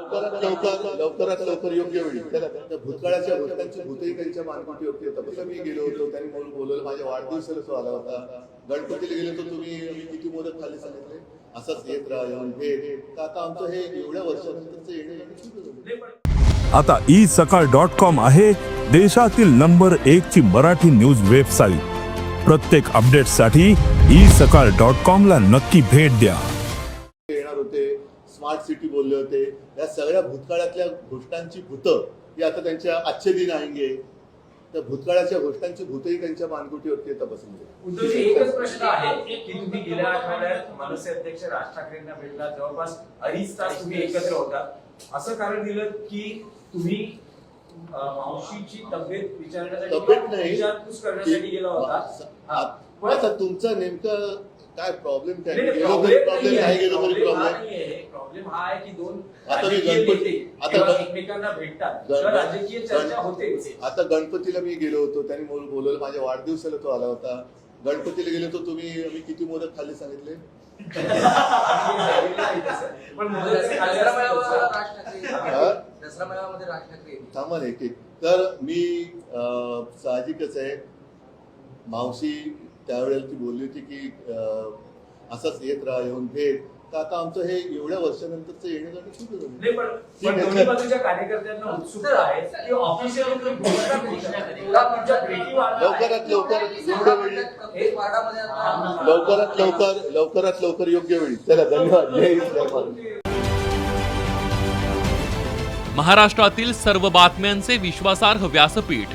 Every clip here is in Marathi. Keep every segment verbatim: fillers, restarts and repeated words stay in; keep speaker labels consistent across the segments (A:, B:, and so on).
A: लवकरात लवकर लवकरात लवकर योग्य वेळी त्याला त्या भूतकाळाच्या गोष्टांची भूतही त्यांच्या मानकुटी होती होता. तसं मी गेलो होतो, त्यांनी मला बोलवलं, माझ्या वाढदिवसाला तो आला होता. गणपतीला गेलो तर तुम्ही मी किती मोदक खाल्ले सांगितले, असंच येत राहा येऊन भेट. तर आता आमचं हे एवढ्या वर्षानंतरचं येणं.
B: आता ई सकाळ डॉट कॉम आहे देशातील नंबर एक ची मराठी न्यूज वेबसाईट. प्रत्येक अपडेटसाठी ई सकाळ डॉट कॉम ला नक्की भेट द्या.
A: येणार होते, स्मार्ट सिटी बोलले होते, या सगळ्या भूतकाळातल्या गोष्टांची भूतं ही आता त्यांच्या आजचे दिन आहेंगे. त्या भूतकाळाच्या गोष्टांची भूतही त्यांच्या मानगुटीवरती येतात बसले.
C: उद्धवजी, एकच प्रश्न आहे की तुम्ही गेल्या आठवड्यात मनसे अध्यक्ष राज ठाकरेंना भेटला, जवळपास अडीच तास तुम्ही एकत्र होता. असं कारण दिलं की तुम्ही मावशीची तब्येत विचारण्यासाठी
A: तब्येत नाही
C: विचारपूस करण्यासाठी गेला होता.
A: आता तुमचा नेमका काय प्रॉब्लेम काय?
C: नाही,
A: गेलो
C: प्रॉब्लेम
A: तरी प्रॉब्लेम,
C: नाहीये.
A: नाही गेलो तरी
C: प्रॉब्लेम हा
A: प्रॉब्लेम.
C: नाहीये. प्रॉब्लेम हा आहे की दोन
A: आता मी
C: राजकीय
A: गणपती-
C: नेते
A: आता
C: जेव्हा
A: गण-
C: एकमेकांना भेटतात
A: गण-
C: तेव्हा राजकीय चर्चा
A: गण-
C: होते.
A: आता गणपतीला मी गेलो होतो, त्यांनी मला बोलवलं, माझ्या वाढदिवसाला तो आला होता. गणपतीला गेलो तर तुम्ही मी किती मोदक खाल्ले सांगितले.
C: पण
D: दसरा मेळाव्याला राज ठाकरे
A: हा?
D: दसरा मेळाव्यामध्ये राज ठाकरे
A: थांबा ना एक एक. तर मी अं, साहजिकच आहे, मावशी त्यावेळेला ती बोलली होती की अं, असंच येत राहा येऊन भेट. तर आता आमचं हे एवढ्या वर्षानंतरचं येणं जाणं सुरू झालं.
C: नाही, पण पण दोन्ही बाजूच्या कार्यकर्त्यांना उत्सुकता आहे की ऑफिशियली तुम्ही घोषणा करू. तुमच्या भेटी वाढणार आहे.
A: लवकरात लवकर योग्य वेळी
D: एक वार्डामध्ये आता
A: लवकरात लवकर लवकरात लवकर योग्य वेळी. चला, धन्यवाद. जय हिंद, जय महाराष्ट्र.
E: महाराष्ट्रातील सर्व बातम्यांचे विश्वासार्ह व्यासपीठ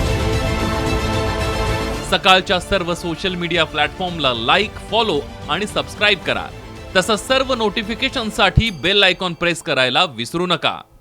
E: सकाळच्या सर्व सोशल मीडिया प्लॅटफॉर्मला लाईक, फॉलो आणि सबस्क्राईब करा. तसंच सर्व नोटिफिकेशनसाठी बेल आयकॉन प्रेस करायला विसरू नका.